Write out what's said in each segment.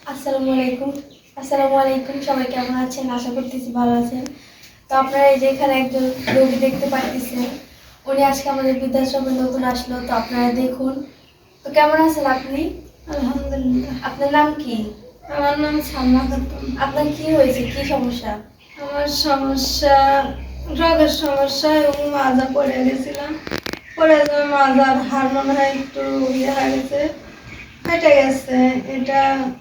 আসসালামু আলাইকুম। আসসালামু আলাইকুম, সবাই কেমন আছেন? আশা করতেছি ভালো আছেন। তো আপনারা এই যে এখানে একজন রোগী দেখতে পাচ্ছেন, উনি আজকে আমাদের বৃদ্ধাশ্রমে নতুন আসলো। তো আপনারা দেখুন। তো কেমন আছেন আপনি? আলহামদুলিল্লাহ। আপনার নাম কি? আমার নাম সালমা খাতুন। আপনার কি হয়েছে, কি সমস্যা? আমার সমস্যা রোগের সমস্যা এবং মাজা পড়ে গেছিলাম। পড়ে যাওয়া মাজার হাড় মনে হয় একটু ইয়ে হয়ে গেছে, ফেটে গেছে। এটা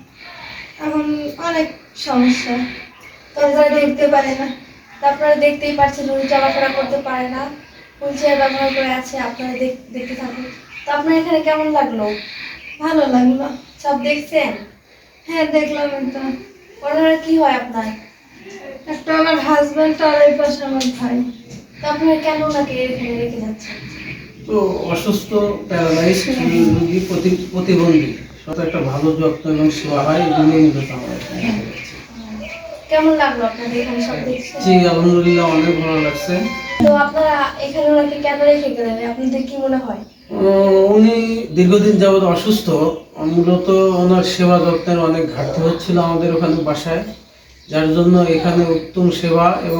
এখন অনেক সমস্যা। তো আপনারা দেখতে পারেন না, তো আপনারা দেখতেই পাচ্ছেন উনি চলাফেরা করতে পারে না, হুইল চেয়ার ব্যবহার করে আছে। আপনারা দেখতে থাকুন। তো আপনার এখানে কেমন লাগলো? ভালো লাগলো। সব দেখছেন? হ্যাঁ, দেখলাম। এটা ওনারা কি হয় আপনার? একটা আমার হাজবেন্ড আর এই পাশে আমার ভাই। তো আপনারা কেন ওনাকে এখানে রেখে যাচ্ছেন? তো অসুস্থ প্যারালাইজড রোগী প্রতিবন্ধী সব একটা ভালো যত্ন এবং সেবা হয় এই জন্যই মূলত আমরা এখানে রেখে যাচ্ছি। কেমন লাগলো আপনাদের এখানে সব দেখছেন? জি আলহামদুলিল্লাহ অনেক ভালো লাগছে। তো আপনারা এখানে ওনাকে কেন রেখে গেলেন, আপনাদের কি মনে হয়? উনি দীর্ঘদিন যাবৎ অসুস্থ। মূলত ওনার সেবা যত্নের অনেক ঘাটতি হচ্ছিল আমাদের ওখানে বাসায়, যার জন্য এখানে উত্তম সেবা এবং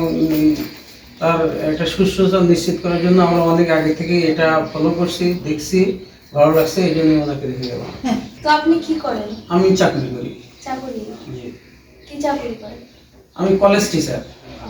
তার একটা সুস্থতা নিশ্চিত করার জন্য আমরা অনেক আগে থেকে এটা ফলো করছি, দেখছি, ভালো লাগছে, এই জন্য ওনাকে রেখে গেলাম। তো আপনি কি করেন? আমি চাকরি করি। চাকরি? জি। কি চাকরি করেন? আমি কলেজ টিচার। ও,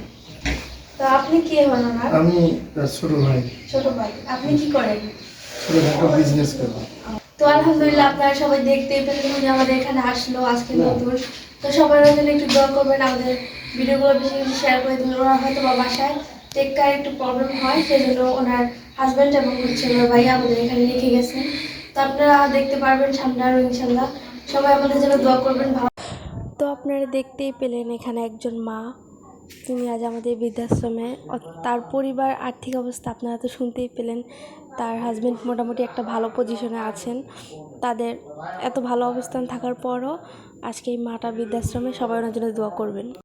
তো আপনি কি হন ওনার? আমি তার ছোট ভাই। ছোট ভাই। আপনি কি করেন? ছোটখাটো বিজনেস করি। তো আলহামদুলিল্লাহ, আপনারা সবাই দেখতেই পেলেন উনি আমাদের এখানে আসলো আজকে নতুন। তো সবাই ওনার জন্য একটু দোয়া করবেন, আমাদের ভিডিওগুলো বেশি বেশি শেয়ার করে দেবেন। ওনার হয়তো বা বাসায় টেক্কার একটু প্রবলেম হয়, সেই জন্য ওনার হাজব্যান্ড এবং ওনার ভাই আমাদের এখানে রেখে গেছেন। তো আপনারা দেখতে পারবেন সামনে আরও ইনশাল্লাহ। সবাই আমাদের জন্য দোয়া করবেন। তো আপনারা দেখতেই পেলেন এখানে একজন মা, তিনি আজ আমাদের বৃদ্ধাশ্রমে। তার পরিবার আর্থিক অবস্থা আপনারা তো শুনতেই পেলেন। তার হাজবেন্ড মোটামুটি একটা ভালো পজিশনে আছেন। তাদের এত ভালো অবস্থান থাকার পরও আজকে এই মাটা বৃদ্ধাশ্রমে, সবাই ওনার জন্য দোয়া করবেন।